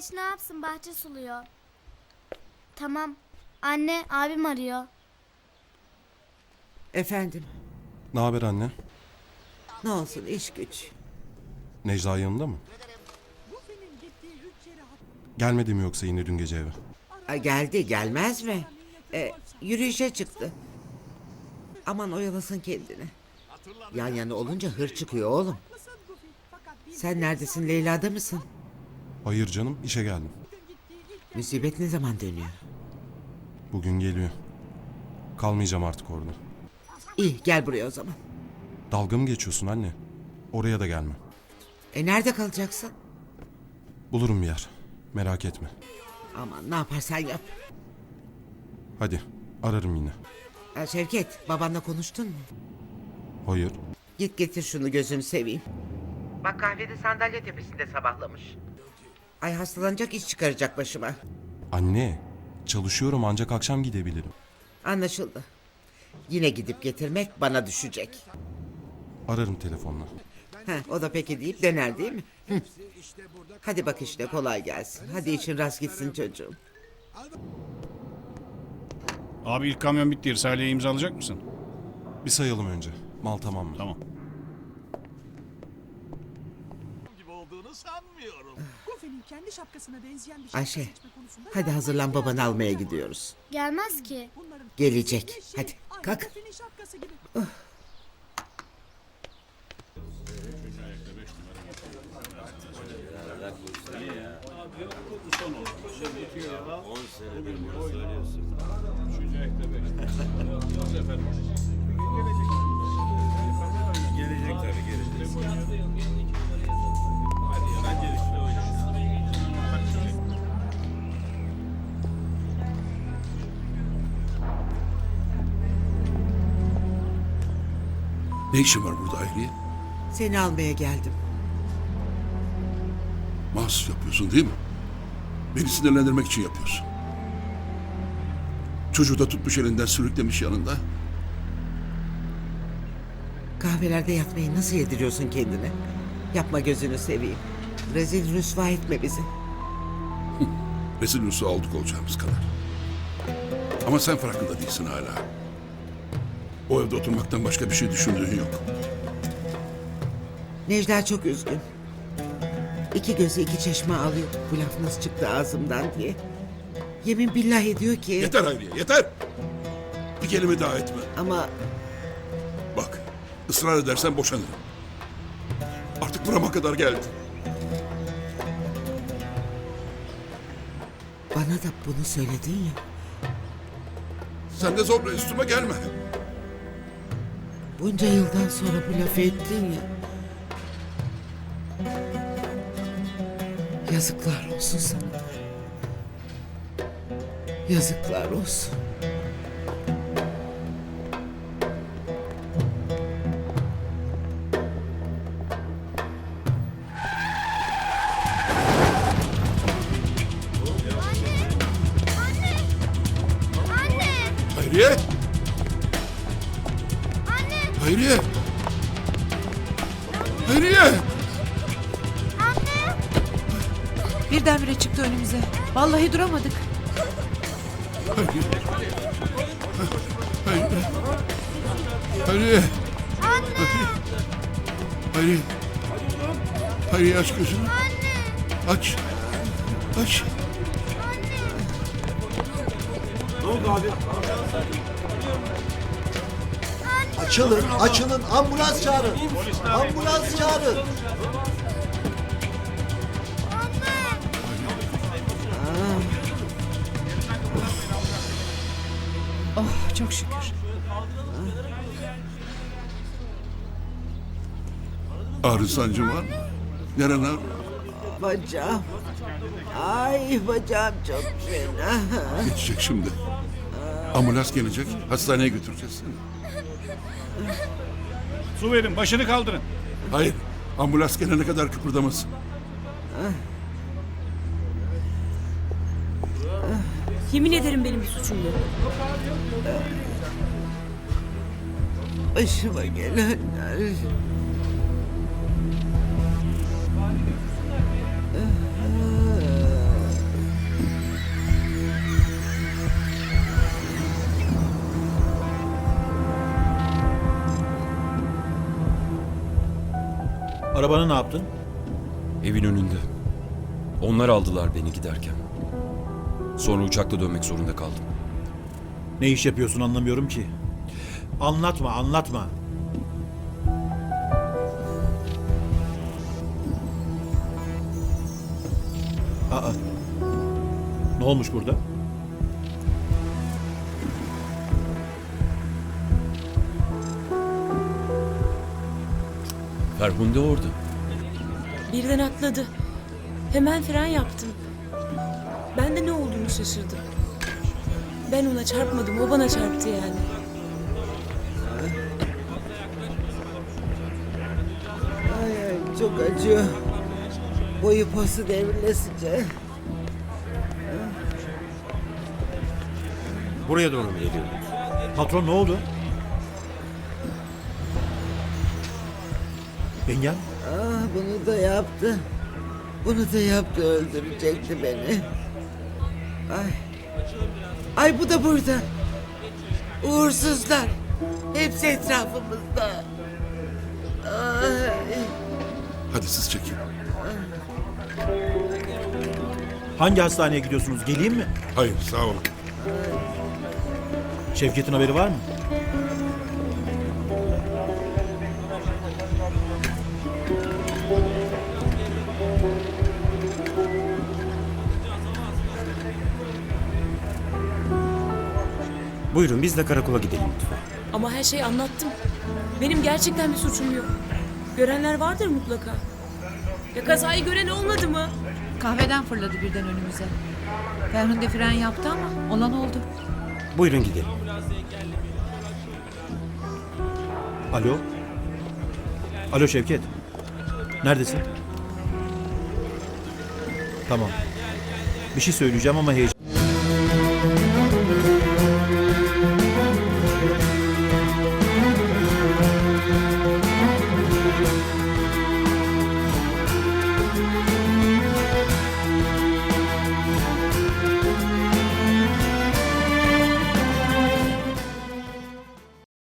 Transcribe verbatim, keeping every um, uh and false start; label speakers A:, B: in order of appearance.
A: geç ne yapsın, bahçe suluyor. Tamam. Anne, abim arıyor.
B: Efendim,
C: Ne haber anne?
B: ne olsun iş güç.
C: Necla yanında mı? Gelmedi mi yoksa yine dün gece eve?
B: Ay, geldi gelmez mi? E, yürüyüşe çıktı. Aman oyalasın kendini. Yan yana olunca hır çıkıyor oğlum. Sen neredesin, Leyla'da mısın?
C: Hayır canım, işe geldim.
B: Musibet ne zaman dönüyor?
C: Bugün geliyor. Kalmayacağım artık orada.
B: İyi, gel buraya o zaman.
C: Dalga mı geçiyorsun anne? Oraya da gelmem.
B: E nerede kalacaksın?
C: Bulurum bir yer. Merak etme.
B: Aman ne yaparsan yap.
C: Hadi, ararım yine.
B: Ha, Şevket, babanla konuştun mu?
C: Hayır.
B: Git getir şunu, gözünü seveyim. Bak kahvede sandalye tepesinde sabahlamış. Ay, hastalanacak, iş çıkaracak başıma.
C: Anne, çalışıyorum ancak akşam gidebilirim.
B: Anlaşıldı. Yine gidip getirmek bana düşecek.
C: Ararım telefonla.
B: Heh, o da peki deyip döner değil mi? Hı. Hadi bak işte, kolay gelsin. Hadi için rast gitsin çocuğum.
D: Abi ilk kamyon bitti. Risale'ye imzalayacak mısın?
C: Bir sayalım önce. Mal tamam mı?
D: Tamam.
E: gibi olduğunu sanmıyorum.
F: Gofe'nin kendi şapkasına benzeyen bir şapka
B: Ayşe,
F: seçme konusunda
B: hadi hazırlan, babanı almaya gidiyoruz.
A: Gelmez ki.
F: bunların
B: Gelecek.
F: şey
B: Hadi
F: aynı
B: kalk.
F: Gofe'nin şapkası gibi.
E: Gelecek tabii gelecek.
G: Ne işin var burada Hayriye?
B: Seni almaya geldim.
G: Mahsus yapıyorsun değil mi? Beni sinirlendirmek için yapıyorsun. Çocuğu da tutmuş elinden sürüklemiş yanında.
B: Kahvelerde yatmayı nasıl yediriyorsun kendine? Yapma, gözünü seveyim. Rezil rüsva etme bizi.
G: Rezil rüsva olduk olacağımız kadar. Ama sen farkında değilsin hala. O evde oturmaktan başka bir şey düşündüğün yok.
B: Necla çok üzgün. İki gözü iki çeşme alıyor. Bu laf nasıl çıktı ağzımdan diye. Yemin billah ediyor ki...
G: Yeter Hayriye, yeter! Bir kelime daha etme.
B: Ama
G: Bak, ısrar edersen boşanırım. Artık burama kadar geldi.
B: bana da bunu söyledin ya.
G: Sen de zorla üstüme gelme.
B: Bunca yıldan sonra bu lafı ettin ya. Yazıklar olsun sana. Yazıklar olsun.
A: Anne!
G: Hayriye!
A: Anne!
G: Hayriye! Hayriye!
A: Anne!
H: Birdenbire çıktı önümüze. Vallahi duramadık.
G: Hayriye! Hayriye! Hayriye!
A: Anne!
G: Hayriye! Hayriye, aç gözünü.
A: Anne!
G: Aç. Aç.
I: Açılın, açılın. Ambulans çağırın. Ambulans çağırın.
H: Oh çok şükür.
G: Ağrı sancın var mı? Neren ağrı?
B: Bacağım. Ay, bacağım çok fena.
G: Geçecek şimdi. Ambulans gelecek. Hastaneye götüreceğiz seni.
D: Su verin. Başını kaldırın.
G: Hayır. Ambulans gelene kadar kıpırdamasın.
H: Yemin ederim benim bir suçum yok.
B: Başıma gelenler.
J: Arabanı ne yaptın?
C: Evin önünde. Onlar aldılar beni giderken. Sonra uçakla dönmek zorunda kaldım.
J: Ne iş yapıyorsun anlamıyorum ki. Anlatma, anlatma. Aa. Ne olmuş burada?
C: Ferhunde orada.
H: Birden atladı. Hemen fren yaptım. Ben de ne olduğunu şaşırdım. Ben ona çarpmadım, o bana çarptı yani.
B: Ay ay çok acıyor. Boyu posu devrilesince.
J: Buraya doğru mu geliyorsunuz? Patron ne oldu? Yengem?
B: Ah bunu da yaptı. Bunu da yaptı, öldürecekti beni. Ay. Ay bu da burada. Uğursuzlar. Hepsi etrafımızda. Ay.
G: Hadi siz çekin.
J: Hangi hastaneye gidiyorsunuz? Geleyim mi?
G: Hayır sağ olun.
J: Şevket'in haberi var mı?
K: Buyurun biz de karakola gidelim lütfen.
H: Ama her şeyi anlattım. Benim gerçekten bir suçum yok. Görenler vardır mutlaka. Ya kazayı gören olmadı mı?
L: Kahveden fırladı birden önümüze. Ferhunde fren yaptı ama olan oldu.
K: Buyurun gidelim.
J: Alo? Alo Şevket. Neredesin? Tamam. Bir şey söyleyeceğim ama heyecan...